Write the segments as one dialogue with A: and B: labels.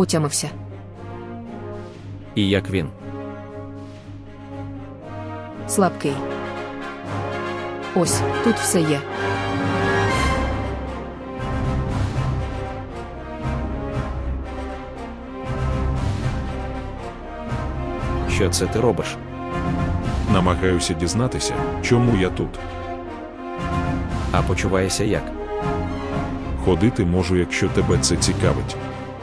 A: Отямився.
B: І як він?
A: Слабкий. Ось, тут все є.
B: Що це ти робиш?
C: Намагаюся дізнатися, чому я тут.
B: А почуваєшся як?
C: Ходити можу, якщо тебе це цікавить.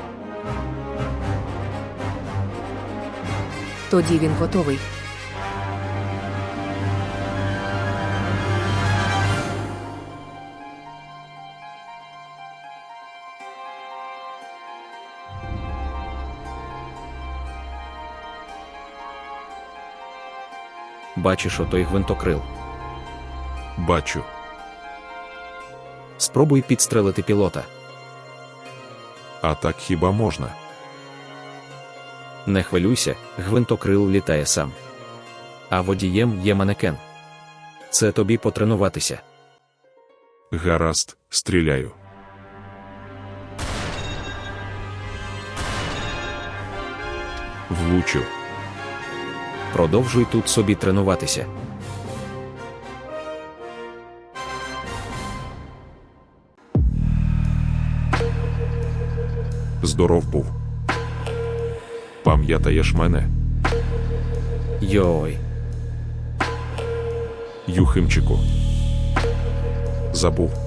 A: Тоді він готовий.
B: Бачиш отой гвинтокрил?
C: Бачу.
B: Спробуй підстрелити пілота.
C: А так хіба можна?
B: Не хвилюйся, гвинтокрил літає сам. А водієм є манекен. Це тобі потренуватися.
C: Гаразд, стріляю. Влучив.
B: Продовжуй тут собі тренуватися.
C: Здоров був. Пам'ятаєш мене?
B: Йой.
C: Юхимчику. Забув.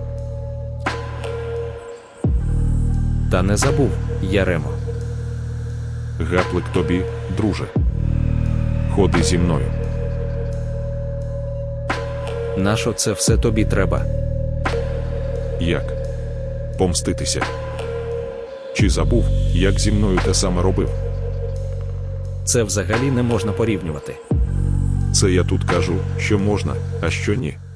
B: Та не забув, Яремо.
C: Гаплик тобі, друже. Ходи зі мною.
B: Нащо це все тобі треба?
C: Як? Помститися? Чи забув, як зі мною те саме робив?
B: Це взагалі не можна порівнювати.
C: Це я тут кажу, що можна, а що ні.